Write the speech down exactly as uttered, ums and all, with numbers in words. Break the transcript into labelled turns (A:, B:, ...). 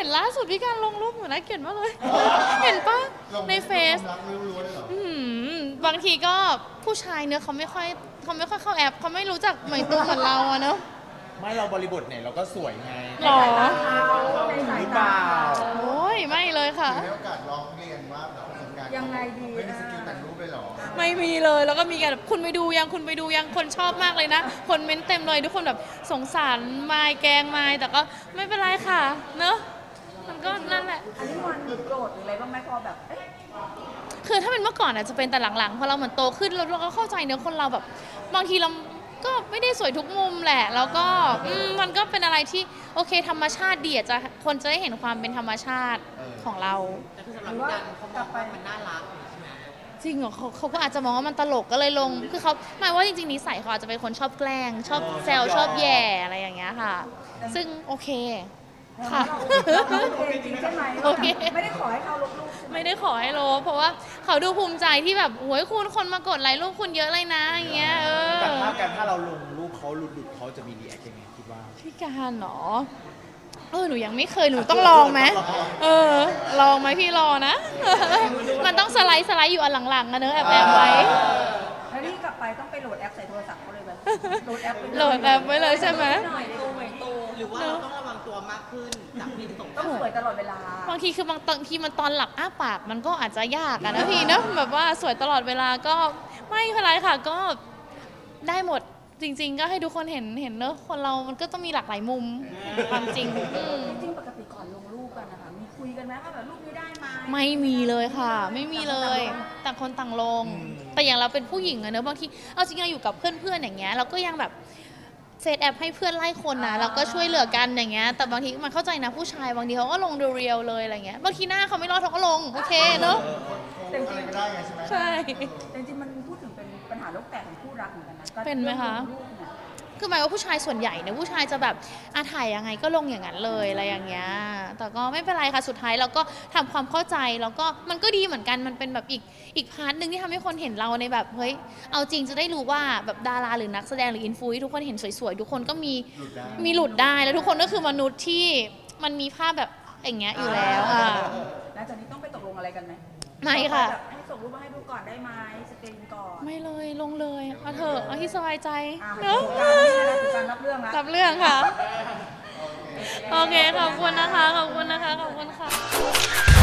A: นล่าสุดพี่การลงรูปเหมือนน่าเกลียดมากเลย เห็นปะในเฟซบางทีก็ผู้ชายเนื้อเขาไม่ค่อยเขาไม่ค่อยเข้าแอปเขาไม่รู้จักเหมือนตัวเหมือนเราอะเนอะ
B: ไม่เราบริบทเนี่ยเราก็สวยไง
A: หรอ
B: หรือเปล่า
A: โอ้ยไม่เลยค่ะ
C: มีโอกาสลองเรียนว่าแบบประสบการณ์
D: ยังไงดี
C: ไม่มีสกิลแต่งรูปเลยหรอ
A: ไม่มีเลยแล้วก็มีการแบบคุณไปดูยังคุณไปดูยังคนชอบมากเลยนะคนเม้นเต็มเลยทุกคนแบบสงสารไมค์แกงไมค์แต่ก็ไม่เป็นไรค่ะเนอะมันก็นั่นแหละ
D: อันนี้มันโกรธหรืออะไรบ้างไหมพอแบบ
A: คือถ้าเป็นเมื่อก่อนอาจจะเป็นแต่หลังๆพอเราเหมือนโตขึ้นเราก็เข้าใจเนื้อคนเราแบบบางทีเราก็ไม่ได้สวยทุกมุมแหละแล้วก็มันก็เป็นอะไรที่โอเคธรรมชาติดีจะคนจะได้เห็นความเป็นธรรมชาติของเรา
E: แต่คือสำหรับพี่ดันเขามองว่ามันน่ารัก
A: จริงเหรอเขาเขาก็อาจจะมองว่ามันตลกก็เลยลงคือเขาหมายว่าจริงๆนิสัยเขาอาจจะเป็นคนชอบแกล้งชอบแซวชอบแย่อะไรอย่างเงี้ยค่ะซึ่งโอเคค่ะ
D: โอเคจริงใช่ไหม
A: โอเค
D: ไม่ได้ขอให้เขาลบรูป
A: ไม่ได้ขอให้ลบเพราะว่าเขาดูภูมิใจที่แบบโอ้ยคุณคนมากดไลค์รูปคุณเยอะเลยนะอย่างเงี้ยเออ
B: แต่ถ้ากันถ้าเราลงรูปเขาหลุดๆเขาจะมีรีแอคยังไงคิดว่า
A: พี่การเหรอเออหนูยังไม่เคยหนูต้องลองไหมเออลองไหมพี่รอนะมันต้องสไลด์สไลด์อยู่อันหลังๆนะเนอะแอบแอบไว้
D: แล้วนี่กลับไปต้องไปโหลดแอปใส่โทรศัพท์เขาเลยไหมโหลดแอป
A: โหลดแอปไว้เลยใช่ไหม
E: หรือว่าเราต้องระวังตัวมากขึ้นจากที่ส่ง
D: ต้องสวยตลอดเวลา
A: บางทีคือบางตอนที่มันตอนหลับอ้าปากมันก็อาจจะยากอะนะพี่เนอะแบบว่าสวยตลอดเวลาก็ไม่เป็นไรค่ะก็ได้หมดจริงๆก็ให้ทุกคนเห็นเห็นเนอะคนเรามันก็ต้องมีหลากหลายมุมความจริง
D: จริงปกติก่อนลงรูปกันนะคะมีคุยกันไหมว่าแบบรูปนี้ได้ไหม
A: ไม่มีเลยค่ะไม่มีเลยต่างคนต่างลงแต่อย่างเราเป็นผู้หญิงอะเนอะบางทีเอาจริงเราอยู่กับเพื่อนๆอย่างเงี้ยเราก็ยังแบบเซตแอปให้เพื่อนไล่คนนะเราก็ช่วยเหลือกันอย่างเงี้ยแต่บางทีมันเข้าใจนะผู้ชายบางทีเขาก็ลงดูเรียลเลยอะไรเงี้ยบางทีหน้าเขาไม่รอดเขาก็ลงโอเคเนอะ
C: แต่จริงก็ได้ไงใช่ไหม
A: ใช่
D: แต่จริงมันพูดถึงเป็นปัญหาโลกแตกของคู่รักเหมือนกันนะ
A: เป็นไหมคะคือหมายว่าผู้ชายส่วนใหญ่เนี่ยผู้ชายจะแบบอาถ่ายยังไงก็ลงอย่างนั้นเลยอะไรอย่างเงี้ยแต่ก็ไม่เป็นไรค่ะสุดท้ายเราก็ทำความเข้าใจแล้วก็มันก็ดีเหมือนกันมันเป็นแบบอีกอีกพาร์ทนึงที่ทำให้คนเห็นเราในแบบเฮ้ยเอาจริงจะได้รู้ว่าแบบดาราหรือนักแสดงหรืออินฟลูทุกคนเห็นสวยๆทุกคนก็มีมีหลุดได้แล้วทุกคนก็คือมนุษย์ที่มันมีภาพแบบอย่างเงี้ยอยู่แล้วค่ะ
D: แล้วจากนี้ต้องไปตกลงอะไรกันไหม
A: ไม่ค่ะ
D: ให้ส่งรูปมาให้ดูก่อนได้ไหมสกรีนก่อน
A: ไม่เลยลงเลยเอาเถอะเอาที่สบายใจ
D: เนอะการรับเรื่องละ
A: รับเรื่องค่ะโอเคขอบคุณนะคะขอบคุณนะคะขอบคุณค่ะ